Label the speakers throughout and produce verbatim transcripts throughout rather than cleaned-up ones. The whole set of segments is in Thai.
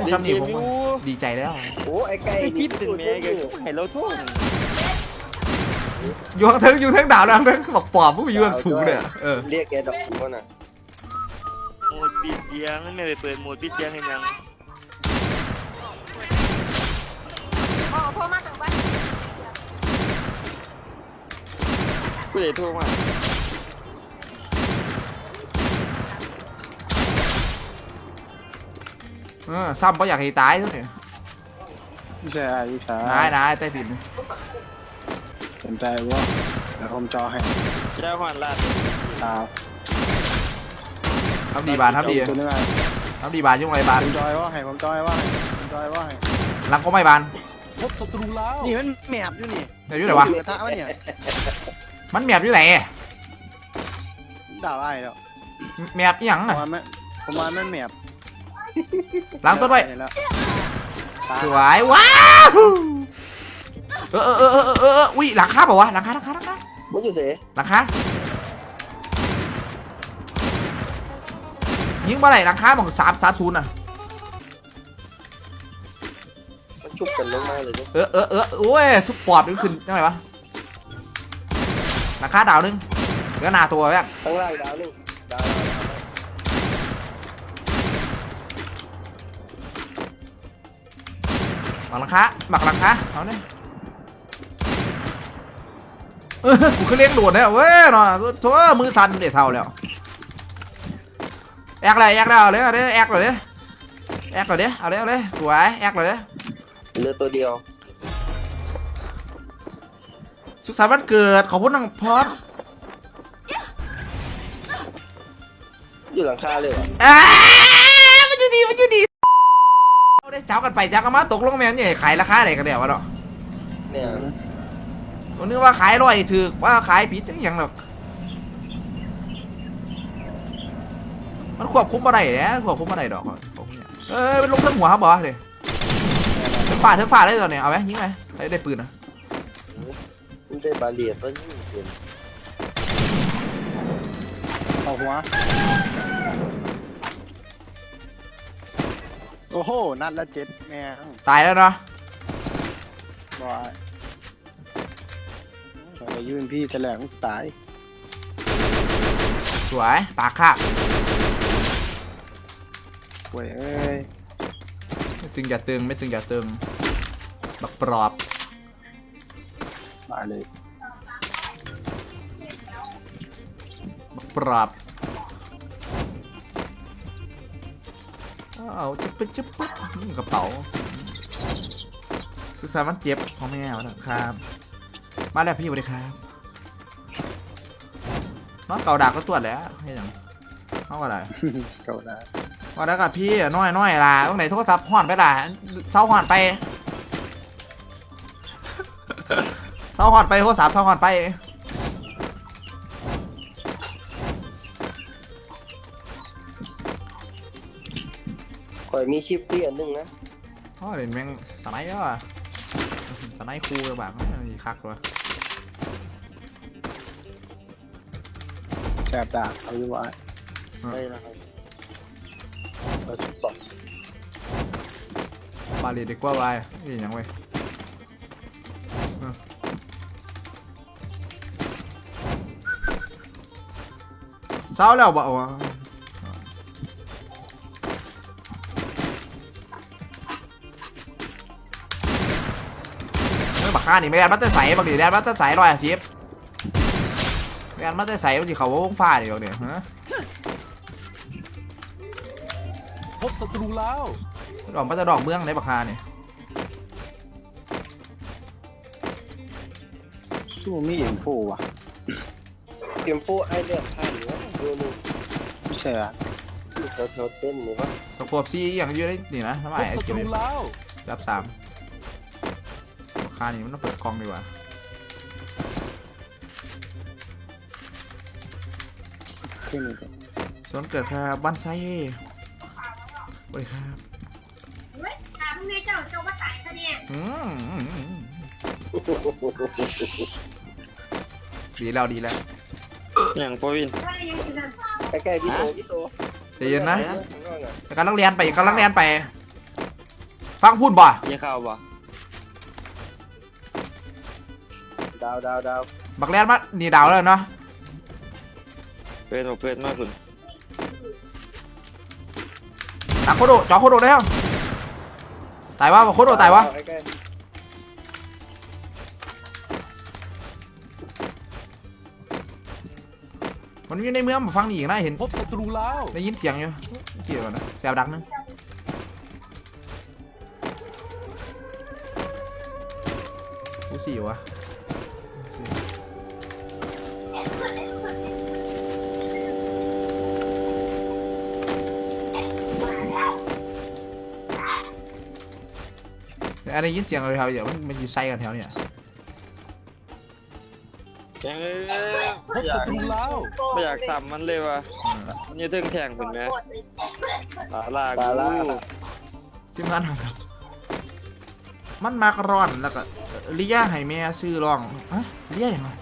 Speaker 1: ซ้ำนี่ผมดีใจแล้ว
Speaker 2: โอ้ไอ้ไก่
Speaker 3: คิดถึงแม่กันให้เราทุ่ง
Speaker 1: อยู่ทั้งอยู่ทั้งดาวแล้วทั้งบอกปอบพวกมีอยู่ทั้งสูงเนี่ยเออ
Speaker 2: เรียกแกดอกเขาน่ะ
Speaker 3: โหมดปิดเสียงไม่ได้เปิดโหมดปิดเสียงให้ยัง
Speaker 4: โอ้โทรมาถึงบ้าน
Speaker 3: กูเลยโทรมา
Speaker 1: เออซ้ำเพราะอยากให้ตายทุกเนี่ย
Speaker 5: ใช่ใช่
Speaker 1: นายนายใต้ดิน
Speaker 5: สนใจว่าเดี๋ยวผมจอให้
Speaker 3: เจ้าหวานลาด
Speaker 5: ตา
Speaker 1: ทำดีบานทำดี
Speaker 5: ตัวนึงไง
Speaker 1: ทำดีบานยุ่งไรบาน
Speaker 5: ผมจอยว่าให้ผมจอยว่าให้ผมจอยว่าให้
Speaker 1: หลังก็ไม่บาน
Speaker 5: พบศัตรูแล้วนี่มันแมบอยู่นี่
Speaker 1: แมบอยู่ไหนวะมันแมบอยู่ไหน
Speaker 5: ด่าไอ้แล้ว
Speaker 1: แมบยังอ่ะ
Speaker 5: ประมาณมันแมบ
Speaker 1: หลังต้นไว้สวยว้าวเออเออเออเออเอออุ้ยหลังคาเปล่าวะหลังคาหลังคาหลังคา
Speaker 2: มันอยู่เส
Speaker 1: หลังคายิงมาไหนหลังคาบอกสามสามศูนย์อ่ะ
Speaker 2: มันชุบกันลงมาเลย
Speaker 1: เออเออเออโอ้ยสุดปอดมันขึ้นยังไงวะหลังคาดาวนึงเหลือหนาตัวแม่
Speaker 2: ข้างล่างดาวนึงดาว
Speaker 1: หลังคาหมักหลังคาเอาเนี่ยเออกูเคยเลี้ยงโดดเนี่ยเว้ยหน่อยทั่วมือสั่นเดี๋ยวเท่าแล้วแอกเลยแอกแล้วเลยเอาเลยแอกเลยแอกเลยเอาเลยเอาเลยสวยแอกเลย
Speaker 2: เหลือตัวเดียว
Speaker 1: สุขสันต์วันเกิดขอบคุณน้องพอด
Speaker 2: อยู่หลังคาเลย
Speaker 1: อ่ามันอยู่ดีมันอยู่ดีเอาได้เจ้ากันไปเจ้ากันมาตกลงแม่เนี่ยขายราคาไหนกันเดี๋ยววะเนาะ
Speaker 2: เนี่ย
Speaker 1: ผมนึกว่าขายร้อยถือว่าขายผิดอย่างหรอกมันควบคุมอะไรเนี่ยควบคุมอะไรดอกเออเป็นลงทั้งหัวครับบอสเลยเธอฝ่าเธอฝ่าได้ตอนเนี่ยเอาไหมยิงไหมได้ได้ปืนนะ
Speaker 2: มันได้บาเลียต้นยิงปืน
Speaker 5: เอาหัวโอ้โหนัดละเจ็ดแม่
Speaker 1: ตายแล้วเนาะ
Speaker 5: บอยไปยืนพี่แถลงตาย
Speaker 1: สวยปากคาบ
Speaker 5: เว้ยเอ้ย
Speaker 1: ไม่ตึงอย่าตึงไม่ตึงอย่าตึงบักปลอบ
Speaker 5: มาเลย
Speaker 1: บักปลอบเอาจะเป็นจะปุ๊บกระเป๋าซื้อสารมันเจ็บของแม่นะครับมาแล้วพี่สวัสดีครับน้องเก่าดาก็ตรวจแล้วให้ยังน้องอะไร
Speaker 5: เก่าดา
Speaker 1: ว่าแล้วกับพี่น้อยน้อยล่ะตรงไหนโทรศัพท์ห่อนไปล่ะเช้าห่อนไปเช้าห่อนไปโทรศัพท์เช้าห่อนไป
Speaker 2: คอยมีชิปที่อันนึงนะ
Speaker 1: อ๋อเห็นแมงสไนด์แล้วอ่ะสไนด์คูเลยแบบมีคักเลย
Speaker 5: แสบดาบเอาอยู่ไว้
Speaker 2: ไม่ละครับเราชุบต่อบ
Speaker 1: าลีดีกว่าไปนี่ยังไงเศร้าแล้วบ่าวะไม่บักฆ่านี่ไม่แดนมัตเตอร์ใสบางทีแดนมัตเตอร์ใสร้อยสิบแดนมัตเตอร์ใสบางทีเขาวงฟ้าดิบางทีฮะ
Speaker 5: พบศัตรูแล้ว
Speaker 1: ดอกมันจะดอกเมืองในบักฆ่านี่
Speaker 5: ชั่วมีเอ็มโฟว่ะ
Speaker 2: เอ็มโฟไอเลือกข้างหรือว่าดูมึง
Speaker 5: ใช่อ่ะ
Speaker 2: แถวแถวเต้นหรือว่า
Speaker 1: ตะขวบซีอย่างยืดได้นี่นะทำไมไอ้เกมรับสามบักฆ่านี่มันต้องเปิดกล้องดีกว่าส่วนเกิดครับบ้านไซสวัสดีครับ
Speaker 4: เฮ้ยถามไงเจ้าเจ้าว่าตายซะเนี่ย
Speaker 1: ดีแล้วดีแล้ว
Speaker 3: อย่างปวิน
Speaker 2: ใกล้ๆพี่โตพี่โต
Speaker 1: ใจเย็นนะการลักเรียนไปการลักเรียนไปฟังพูดบ่
Speaker 3: ยังเข้าบ่
Speaker 2: ดาวดาวดาว
Speaker 1: บักแรนมานี่ดาวแล้วเนาะ
Speaker 3: เปิดมาเปิดมาคุณ
Speaker 1: ตักโคโดจ่อโคโดได้ยังตายวะบอกโคโดตายวะ
Speaker 2: ใกล้
Speaker 1: มันอยู่ในเมืองมาฟังนี่อีกนะเห็น
Speaker 6: พบศัตรูแล้ว
Speaker 1: ได้ยินเสียงอยู่เกี่ยวนะแซวดังนึงกูสี่วะอะไรยินเสียงอะไรแถวเดี๋ยวมันมันอยู่ไซกันแถวเนี่ย
Speaker 3: ยังเอ้ย
Speaker 6: พบศัตรูแล้ว
Speaker 3: ไม่อยากซ้ำมันเลยว่ะมันจะถึงแข่งคุณไหมตาลา
Speaker 2: ๆตาล่า
Speaker 1: ทีมงานทำครับมันมากร้อนแล้วก็ลิย่าให้แม่ซื้อรองอะลิย่าอย่างไร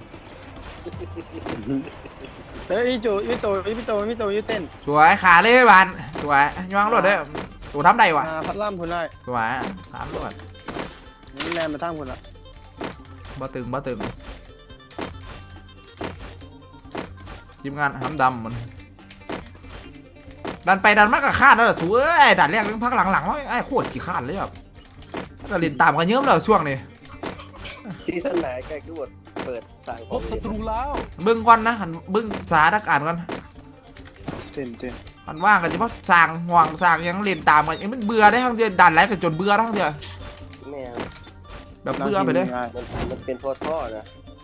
Speaker 5: เฮ้ยพี่โจพี่โตพี่โตพี่โตพี่เต้น
Speaker 1: สวยขาเลยบานสวยย่างรถเด้อตัวทำได้วะ
Speaker 5: มาพัดล่ำคุณได้
Speaker 1: สวยสามรถ
Speaker 5: นี่แลนมาทั้งคุณละ
Speaker 1: บ่ตึงบ่ตึงทีมงานห้ำดำมันดันไปดันมากกับคาดแล้วสวยดันแรกเรื่องพักหลังๆว่าไอ้โคตรขี้คาดเลยแบบก็เล่นตามกันเยอะเลยช่วงนี้
Speaker 2: ซีซั่นไหนใกล้ก็บดเปิดสั่งข
Speaker 6: พ
Speaker 2: อง
Speaker 6: บศัตรูแล้ว
Speaker 1: เบิ้งก่อนนะหันเบิ้งสถานการณ์ก่อน
Speaker 5: เต้นเต้น
Speaker 1: มันว่างกันเฉพาะสร้างห่วงสร้างยังเล่นตามกันยังมันเบื่อได้ทั้งเดือนดันแล้วกันจนเบื่อทั้งเดือน
Speaker 2: แม่
Speaker 1: แบบเบื่อไปเลย
Speaker 2: มันมันเป็นพ่อท่อนะ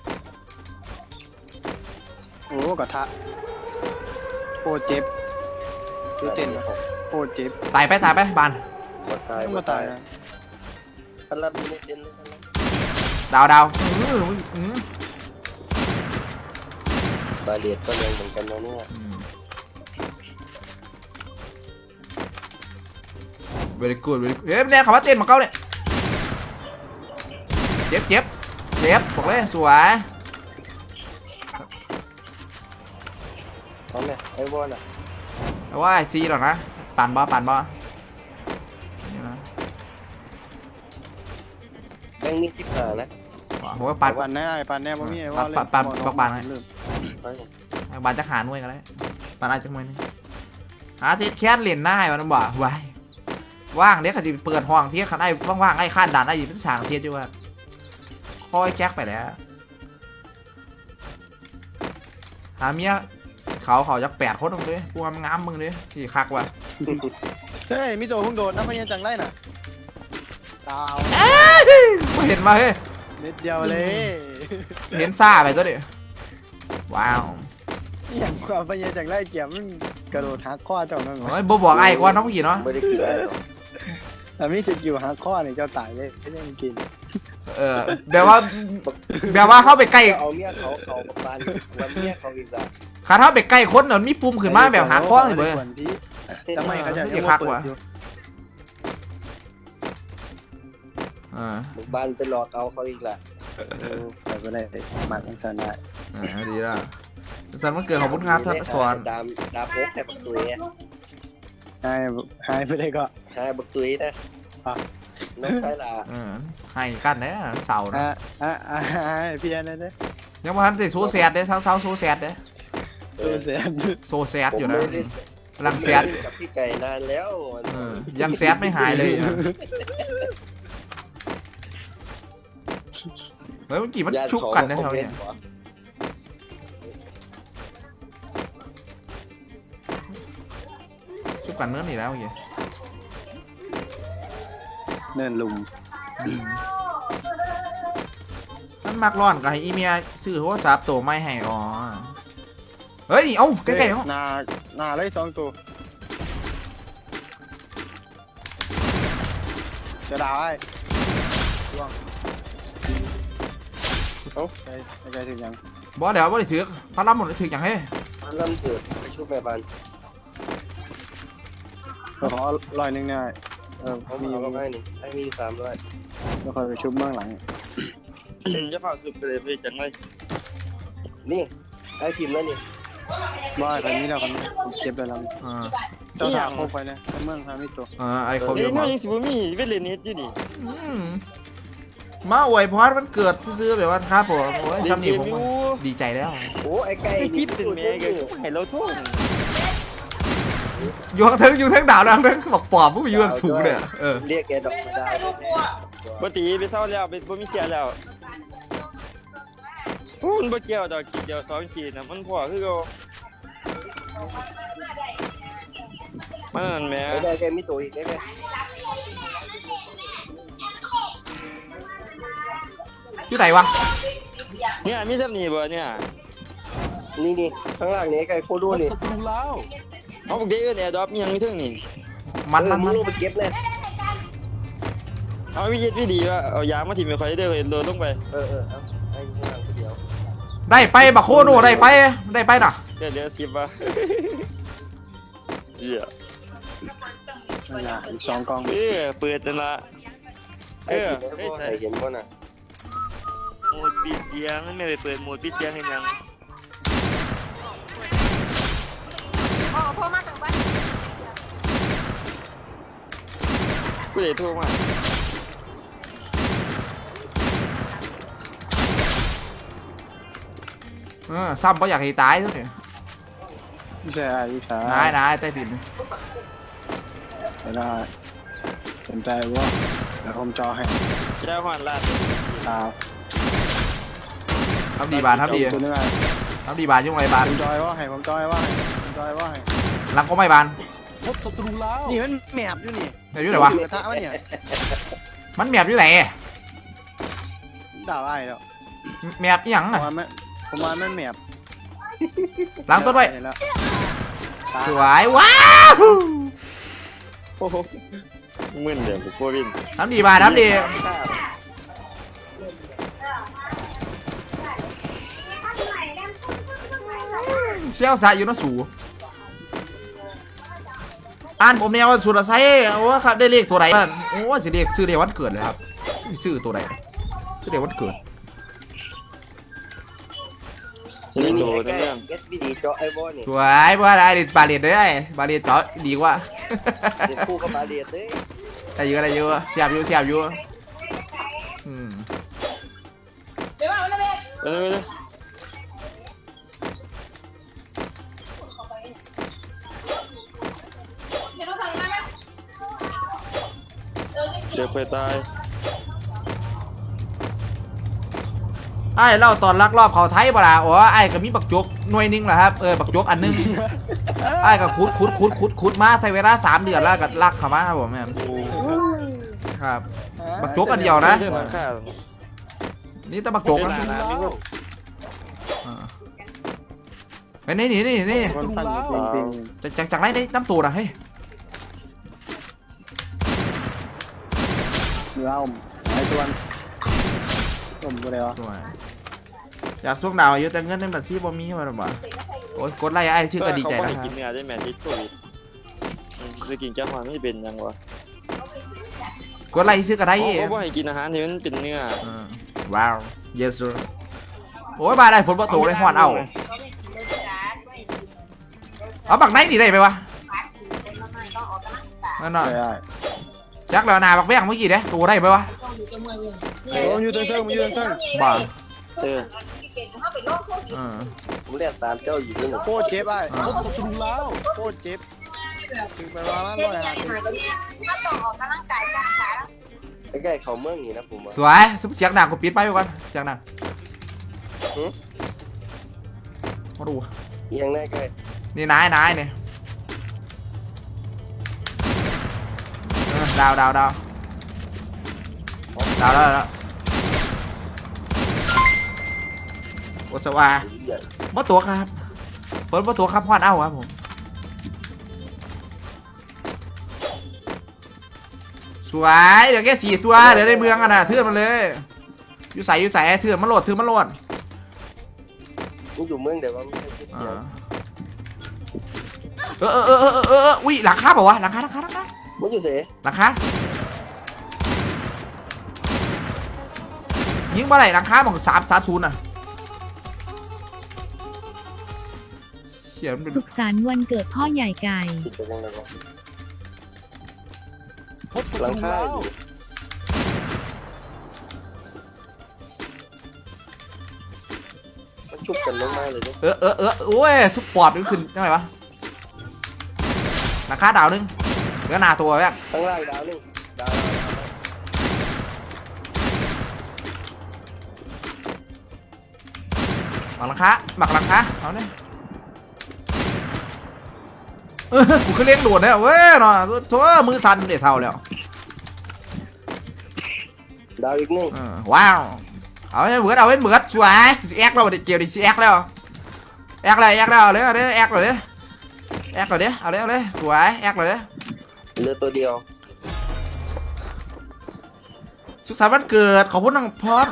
Speaker 5: โอ้กระทะโอ้เจ็บพี่เต้นโอ้เจ็บ
Speaker 1: ตายไปตายไปบาน
Speaker 2: หมดตาย
Speaker 5: ต้อง
Speaker 2: หม
Speaker 5: มา
Speaker 2: ด
Speaker 5: ตา
Speaker 2: ตาย ย
Speaker 5: นะ
Speaker 2: พันลับมีในเต็นเลยพันลับ
Speaker 1: ดาวดาวอื้ออื้อบ
Speaker 2: าเลียดก็แรงเหมือนกันนะเนี่ย
Speaker 1: เวลิกูดเวลิกูดเฮ้ยแน่คำว่าเต้นมาเก้าเนี่ยเจ็บเจ็บเจ็บบอกเลยสวย
Speaker 2: พร้อมไหมไอ้วอนอ่ะ
Speaker 1: แต่ว่าไอซีหรอกนะปั่นบอปั่นบอนี่นะ
Speaker 2: แม่งมีที่ผ่านะ
Speaker 1: ผมว่าปั่น
Speaker 5: ปันแน่ปันแน่บ่มีไอ้
Speaker 1: ปั่
Speaker 5: ว่าน เล่
Speaker 1: ปั่นปั่นปั่นให้
Speaker 5: ลืม
Speaker 1: บานจะหาหน่วยกันเลยปั่นอาจจะหน่วยนึงหาที่แค่เหรียญหน้ามันบ่ไว้ว่างเดี๋ยวเขาจะเปิดห้องที่เขาได้ว่างๆไอ้ข้านด่านได้อยู่เป็นฉากเทียดอยู่ว่าคอยแจ็คไปแล้วหาเมียเขาเขาจะแปดคนตรงนี้กูมันงามมึงดิที่คักว่ะ
Speaker 5: เฮ้ยมิโตเพิ่งโดนน้ำพยัญจังไรน่ะดาว
Speaker 1: กูเห็นมาเฮ้ย
Speaker 5: เม็ดเดียวเลย
Speaker 1: เห็นซ่าไปตัวดิว้าว
Speaker 5: อย่างความพยัญจังไรเกี่ยมมันกระโดดหักข้อเจ้านั่น
Speaker 1: โอ้ยบ่บอกไอ้ก่อนน้องผู้หญิงเนาะ
Speaker 2: ไม่ได้กินอะไรหรอก
Speaker 5: แต่มีสกิลหักข้อเนี่ยเจ้าตายเลยไม่ได้กิน
Speaker 1: เออแบบว่าแบบว่าเข้าไปใกล้
Speaker 2: เอาเมียเขาเขาประมาณวันเมียเขาอีกแล้ว
Speaker 1: ขาเข้าไปใกล้คนเดี๋ยวมีปุ่มขึ้นมาแบบหาข้อเลยเว้ย
Speaker 5: ทำไมเขาจะ
Speaker 1: อย่าคักว่ะ อ่า
Speaker 2: หมู่บ้านไปหลอกเอาเขาอีกแล้ว
Speaker 5: ไปก็ได้มาทั้งสันได้
Speaker 1: อ่าดีละสันมันเกิดของพุทธครับท่านสอน
Speaker 2: ดามดามโป๊กแค่บักตุยอะ
Speaker 5: หายหายไปได้ก็
Speaker 2: ใช่บักตุยนะน้องชายลา
Speaker 1: เออให้กันเนี่ยเสาร์นะ
Speaker 5: อ่ะอ่ะอ่ะพี่อันนั้นเด้
Speaker 1: ยังว่าทันติโซแซดเด้ทั้งเสาโซแซดเด้
Speaker 5: ตัวเสีย
Speaker 1: โซแซดอยู่นะกำลังแซด
Speaker 2: กับพี่ไก่นานแล้ว
Speaker 1: เออยังแซดไม่หายเลยอ่ะเฮ้ยเมื่อกี้มันชุบกันนะแถวเนี้ยชุบกันเนื้อหนีแล้วเมื่อกี้
Speaker 5: เนินลุม
Speaker 1: มันมักร้อนกับให้อีเมียซื้อโทรศัพท์ตัวไม่ให้อ๋อเฮ้ยนี่เอ้าใกล้ๆเนาะ
Speaker 5: นานาเลยสองตัวจะได้ช่วงโอ้ใจใจถึงยัง
Speaker 1: บอสเดี๋ยวบอสได้ถือพระรำหมดได้ถืออย่างเฮ้ย
Speaker 2: พันลำเกิดไปช่วยแม่บ้าน
Speaker 5: ก็ขอลอยหนึ่งได้เออ
Speaker 2: เขา
Speaker 5: มี
Speaker 2: มีก็ให้นี่ให้มีสามร้อย
Speaker 5: แล้วค่อยไปชุบเบื้องหลัง
Speaker 3: จะเผาสุดไปเลยพี่จังเลย
Speaker 2: นี่ไอ้พิมพ์แล้วนี่
Speaker 5: ว่าแบบนี้เรากันเก็บไปแล้ว
Speaker 1: อ่า
Speaker 5: เจ้าถามโคกไปเลยในเมืองทางนี้ตัว
Speaker 1: เออไอ้ครบอ
Speaker 3: เอ้ย
Speaker 1: ยู่
Speaker 3: น้
Speaker 1: มา
Speaker 3: องยังสิบ่มีเวทเลนิสอยู่นี่
Speaker 1: อืมมาอวยพรมันเกิดซื้อๆแบบว่าครับผมโอ้ยซ้ำนี่ผมว่าดีใจแล้ว
Speaker 2: โอ้ไอ้ไก่
Speaker 3: ไอ้
Speaker 2: นี่
Speaker 3: กิ๊บเป็นแม่ก็ให้เราโทษ
Speaker 1: อยู่ทั้งอยู่ทั้งดาวแล้วทั้งบอกปอบพวกมีอยู่ทั้งสูงเนี่ยเออ
Speaker 2: เรียกแกดอกไม้ดาว
Speaker 3: บ่ตีไปเศร้าแล้วไปบ่มีเสียแล้วโอ้มันบ่เกี่ยวดอกขีดเดียวสองขีดน่ะมันพอคือเก่ามันนั่นแหม
Speaker 2: ไอ้ไก่แกมีตัวอีกไอ้ไก่
Speaker 1: อยู่ไหนวะ
Speaker 3: เนี่ยมีซ้ำนี่บ่เนี่ย
Speaker 2: นี่นี่ข้างล่างนี่ไอ้ไก่โคดูนี่
Speaker 3: เอาพวกเด็กเอิ้นแอร์ดรอปยังมีถึงนี่
Speaker 1: มัน
Speaker 2: เอ
Speaker 1: มั
Speaker 2: อน มึ
Speaker 1: มั
Speaker 2: ง
Speaker 1: น
Speaker 2: ลงไปเก็บเลย
Speaker 3: เอาวิธีวิธีว่าเอายางมาถิ่มไปคอยเด้อโดนลงไป
Speaker 2: เออเออเอาไอ้ข้างล่างคนเดียว
Speaker 1: ได้ไปบักโคโนได้ไปได้ไปน่ะ
Speaker 3: เดี๋ยวเดี๋ยวสิบว่ะเหี้ย
Speaker 5: นั่นน่ะอีกสองกอง
Speaker 3: เออเปิดนั่นละ
Speaker 2: ไอ้ที่ไอ้พ่อให้เห็นบ่น่ะ
Speaker 3: โหมดปิดเสียงไม่ได้เปิดโหมดปิดเสียงให้ยัง
Speaker 4: โอ้โทรมาจากบ้าน
Speaker 3: กูเลยโทรมา
Speaker 1: เออซ้ำเพราะอยากให้ตายซะเนี่ย
Speaker 5: วิชาวิชาน
Speaker 1: ายนายใต้ดิน
Speaker 5: ไม่ได้สนใจว่าเดี๋ยวผมจอให้
Speaker 3: เจ้าหวานลาด
Speaker 5: ตา
Speaker 1: ทำดีบานทำดี
Speaker 5: ตัวนึงไง
Speaker 1: ทำดีบานยุ่งไรบาน
Speaker 5: ผมจอยว่าให้ผมจอยว่าให้ผมจอยว่าให้
Speaker 1: หลังก็ไม่บาน
Speaker 5: นี่มันแมบอยู่นี่
Speaker 1: แต่อยู่ไหนวะ
Speaker 5: กระทะวะเนี่ย
Speaker 1: มันแมบอยู่ไหน
Speaker 5: ด่าไอ้แล้ว
Speaker 1: แมบอีหยัง
Speaker 5: ผม
Speaker 1: อ่ะ
Speaker 5: ว่ามันผมว่ามันแมบ
Speaker 1: หลังต้นไว้
Speaker 5: เห็แล้ว
Speaker 1: สวยว้าว
Speaker 3: โอ้โหมึนเดี๋ยวกูวิน
Speaker 1: ทำดีบานทำดีเชี่ยวสายอยู่นะสูอ่านผมเนี่ยว่าสุดไซโอ้ครับได้เลขตัวไหนบ้างโอ้สิเลขซื้อเลขวันเกิดเลยครับซื้อตัวไหนซื้อเลขวันเกิด
Speaker 3: นี่
Speaker 2: นี่
Speaker 3: โด
Speaker 2: นี่
Speaker 3: น
Speaker 2: ไอ้ไก่
Speaker 3: เรื่อง
Speaker 2: เก็ตวิดีเจาะไอ้บ่นี่
Speaker 1: สวยว่าได้ดิบาเลียดได้บาเลียดเจาะดีกว่า
Speaker 2: เดี๋ยวคู่กับบาเลียดเด้
Speaker 1: ได้เยอะได้เยอะเสียบอยู่เสียบอยู่อืม
Speaker 4: เดี๋ยวมาเลย
Speaker 3: เออ
Speaker 4: เดี๋ยวเราใส่มาไหมเออ
Speaker 3: เดี๋ยวไปตาย
Speaker 1: ไอ้เล่าตอนลักลอบเขาไทยบ่ล่ะอ๋อไอ้ก็มีบักจกหน่วยหนึงแหละครับเออบักจกอันหนึงไอ้ก็ขุดขุดขุดขุดขุดมาใช้เวลาสามเดือนแล้วก็ลักเข้ามาครับผมแม่นครับ บักจกอันเดียวนะ
Speaker 3: เรื่องราคา
Speaker 1: นี่แต่บักจกนะ
Speaker 3: เดี๋ยวหาๆมีพวก
Speaker 1: อ่าไปนี่นี่นี่นี่
Speaker 5: คนฟันปิงปิง
Speaker 1: จากจากจากไหนได้น้ำตูดอ่ะเฮ้ย
Speaker 5: เล่าไอ้ชวนผมก็เลยวะ
Speaker 1: สวยอยากส่งดาวอยู่แต่เงินในบัญชีบ่มีมาหรอบ่โอ้ยกดไล่ไอ้ชื่อก็ดีใจ
Speaker 3: เขา
Speaker 1: นะ
Speaker 3: บ่
Speaker 1: ค
Speaker 3: ให้
Speaker 1: รับ
Speaker 3: กินเนื้อได้แม่ที่โควิดจะกินแก้วหวานไม่เป็นยังวะ
Speaker 1: กดไล่ชื่อก็ได้
Speaker 3: เขาเขาบ่ให้กินอาหารที่มันเป็นเนื้อ
Speaker 1: อ่าว้าว yes sir โอ้ยบาได้ฝนบ่ตกเลยฮอดเอาเอาบักไหนดีได้ไปวะนั่นน่ะ
Speaker 5: ใช่ได้
Speaker 1: จักแล้วนาบักแบงเมื่อกี้เด้ตัวได้ไปวะ
Speaker 5: โอ้ยอยู่เติ้งๆมันอยู่เติ้ง
Speaker 1: บ้า
Speaker 3: เออ
Speaker 1: อ่า
Speaker 2: ผมเรียกตามเจ้าอยู่นี่
Speaker 5: โคตรเจ็บไอ้โคตรสุดแล้วโคตรเจ็บถึงไปว่ามันร้อยห้าสิบ
Speaker 4: ถ้าต้องออกกำลังกายจ้างขาแล้ว
Speaker 2: ไอ้ไก่เขาเมืองนี่นะผมว่า
Speaker 1: สวยเสียงดังกูปิดไปไปก่อนเสียงดังมาดู
Speaker 2: เอียงได้ไก่
Speaker 1: นี่นายนายเนี่ยเออดาวดาวดาวดาวแล้วแล้วโอสวา
Speaker 2: เหี้ย
Speaker 1: บ่ตัวครับเปิดบ่ตัวครับฮอดเอ้าครับผมสวยเดี๋ยวแค่สี่ตัวเดี๋ยวได้เมืองอ่ะนะเทือนมันเลยอยู่ใส่อยู่ใส่เทือนมันโหลดเทือนมันโหลด
Speaker 2: มึงอยู่เมืองเดี๋ยวว่ามึงให้คิด
Speaker 1: อ่
Speaker 2: เดียว
Speaker 1: าเออเออเออเออเออเอออุ้ยหลังคาเปล่าวะหลังคาหลังคาหลังคา
Speaker 2: มึงอยู่เส
Speaker 1: หลังคายิงมาไหนหลังคาบอกสามสามศูนย์อ่ะเขียนเป็น
Speaker 6: สุขสันต์วันเกิดพ่อใหญ่ไก่
Speaker 2: ติดไปยังไงวะ
Speaker 5: พบศั
Speaker 2: หลัง
Speaker 5: ตรู
Speaker 2: คา
Speaker 5: แล้ว
Speaker 2: อยู่มันชุบกันลงมาเลยเนี่ย
Speaker 1: เออเออเออโอ้ยสุดปอดมันขึ้นยังไงวะราคาดาวนึงเหลือหนาตัวแม่ง
Speaker 2: ข้างล่างดาวหนึงดาวดาวดาว
Speaker 1: หมักราคาหมักราคาเอาเนี่ยเออกูคือเลี้ยงโดดเนี่ยเว้ยเนาะทั่วมือสั่นเดี๋ยวเท่าแล้ว
Speaker 2: ดาวอีกหนึง
Speaker 1: เออว้าวเอาไว้เหมือนเอาไว้เหมือนสวยสิแอกแล้วดิเกี่ยวดิสิแอกแล้วแอกอะไรแอกแล้วเอาเลยเอาเลยแอกเลยแอกเลยเอาเลยเอาเลยสวยแอกเลย
Speaker 2: เหลือตัวเดียว
Speaker 1: สุขสันต์วันเกิดขอบคุณน้องพอด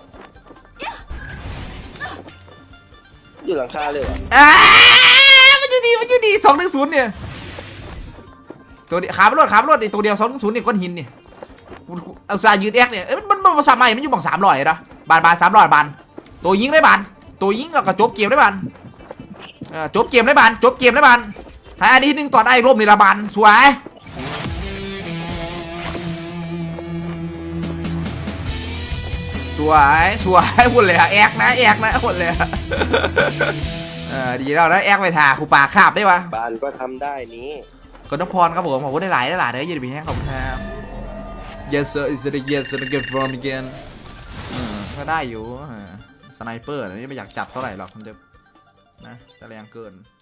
Speaker 2: อยู่หลังคาเลยเหรอ
Speaker 1: อ่ามันอยู่ดีมันอยู่ดีสองหนึ่งศูนย์เนี่ยตัวนี้ขาบรถขาบรถอีกตัวเดียวสองหนึ่งศูนย์เนี่ยก้อนหินเนี่ยเอาซายืดแอกเนี่ยเอ้ยมันมันมันภาษาใหม่มันอยู่บังสามร้อยนะบานบานสามร้อยบานตัวยิงได้บานตัวยิงแล้วก็จบเกมได้บานเออจบเกมได้บานจบเกมได้บานให้อันนี้หนึ่งตอนไอ้ร่มนี่ละบานสวยสวยสวยหุ่นเลยอะแอกนะแอกนะหุ่นเลยอะเออดีแล้วนะแอกไปถ่าคูปากคาบได้ปะ
Speaker 2: บานก็ทำได้นี้
Speaker 1: ขอบคุณพรครับผมขอบคุณได้หลายได้หลายเด้อยืนดีแห้งขอบคุณครับ yes sir is it yes sir again from again อืมก็ได้อยู่สไนเปอร์อันนี้ไม่อยากจับเท่าไหร่หรอกมันจะนะจะแรงเกิน